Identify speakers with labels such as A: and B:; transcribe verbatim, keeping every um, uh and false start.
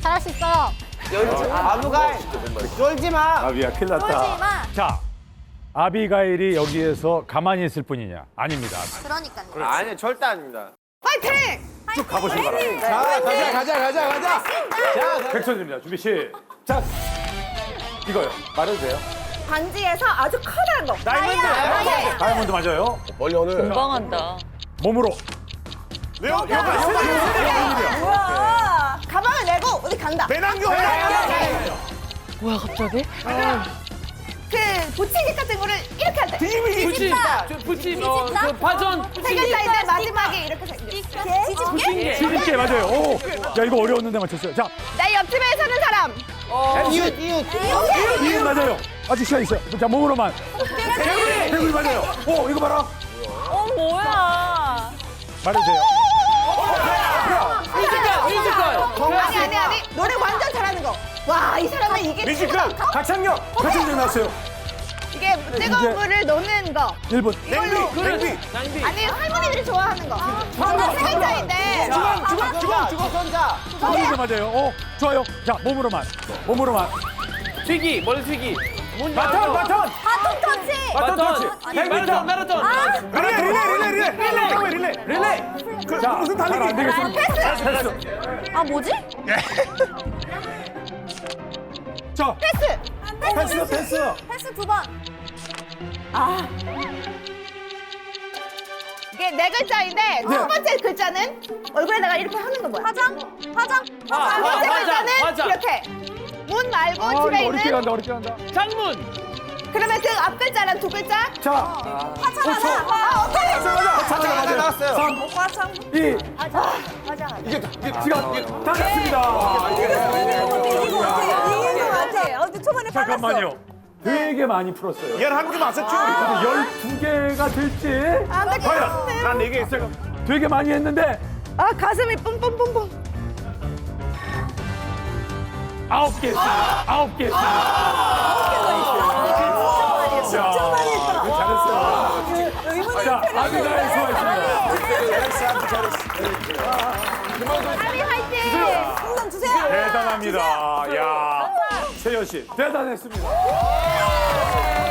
A: 잘할 수 있어.
B: 아부가일 쫄지 마.
C: 아비야, 큰일 났다.
A: 쫄지 마.
C: 자, 아비가일이 여기에서 가만히 있을 뿐이냐? 아닙니다.
A: 그러니까요.
B: 아니 절대 아닙니다.
D: 파이팅!
C: 쭉 가보시기 바랍니다.
B: 자 가자 가자 가자 가자. 자
C: 백선입니다. 준비 시작. 이거요. 말해도 돼요?
D: 반지에서 아주 커다란 거.
B: 다이몬드.
C: 다이아몬드 맞아요.
B: 멀리 오늘.
E: 건강한다.
C: 몸으로.
B: 레오 요가 요가.
D: 우와. 가방을 내고 어디 간다.
B: 배낭교.
E: 뭐야 갑자기?
D: 그 보치기 같은 거를 이렇게 할 때.
B: 뒤집기.
F: 붙임, 어, 그 파전,
D: 세 글자인데 마지막에 이렇게 생겨.
E: 뒤집게?
C: 뒤집게 맞아요. 오, 야 이거 어려웠는데 맞췄어요. 자,
D: 내 옆집에 사는 사람.
B: 이웃 이웃.
C: 이은 맞아요. 아직 시간 있어요. 자, 몸으로만. 개구리. 개구리 맞아요. 오, 이거 봐라.
E: 어 뭐야?
C: 말해주세요.
F: 뮤지컬, 뮤지컬.
D: 아니 아니 아니. 노래 완전 잘하는 거. 와 이 사람은 이게
B: 뮤지컬.
C: 가창력. 가창력 나왔어요.
D: 이게 뜨거운 물을 놓는 거.
C: 일 분.
B: 냉비 냉비.
F: 낭비.
D: 아니 할머니들이 좋아하는 거. 정말 세 글자인데.
B: 주걱 주걱 주걱 주걱 선자.
C: 이거 맞아요. 오, 좋아요. 자, 몸으로만. 몸으로만.
F: 튀기, 머리 튀기. 문
C: 바톤,
F: 열고.
C: 바톤.
A: 바톤 터치.
C: 바톤 터치.
F: 마라톤, 마라톤.
B: 릴레이 릴레이 릴레이 릴레이 릴레이 릴레이.
C: 자, 무슨 달리기? 안 되겠습니다. 패스.
A: 아 뭐지?
C: 자,
D: 패스.
C: 패스, 패스.
A: 패스 두 번.
D: 이게 네 글자인데 첫 번째 글자는 얼굴에다가 이렇게 하는 거 뭐야?
A: 화장? 화장?
F: 아,
D: 두
F: 아,
D: 번째
F: 화장,
D: 글자는
F: 화장.
D: 이렇게. 문 말고
C: 아,
D: 집에
C: 이거 어렵게
D: 있는.
C: 간다, 어렵게 간다.
F: 창문.
D: 그러면 그 앞 글자랑 두 글자?
C: 자,
A: 화장하자.
D: 아 어떻게?
B: 차차가 맞아요. 나왔어요.
C: 삼, 이. 이게 지금 다 됐습니다.
D: 이긴 거 같아. 어제 초반에
C: 잠깐만요. 되게 많이 풀었어요.
B: 열한 개 맞았죠?
C: 근데 열두 개가 될지.
D: 안될것
C: 과연
D: 같은데요?
B: 난 네 개 했어요.
C: 되게 많이 했는데
D: 아 가슴이 뿜뿜뿜뿜.
C: 아홉 개 했습니다. 아홉 개 했습니다. 진짜 많이 했다. 잘했어요. 자, 아비가일 수고하셨습니다.
D: 아미 화이팅! 풍선 주세요.
C: 대단합니다. 야, 세연 씨 대단했습니다.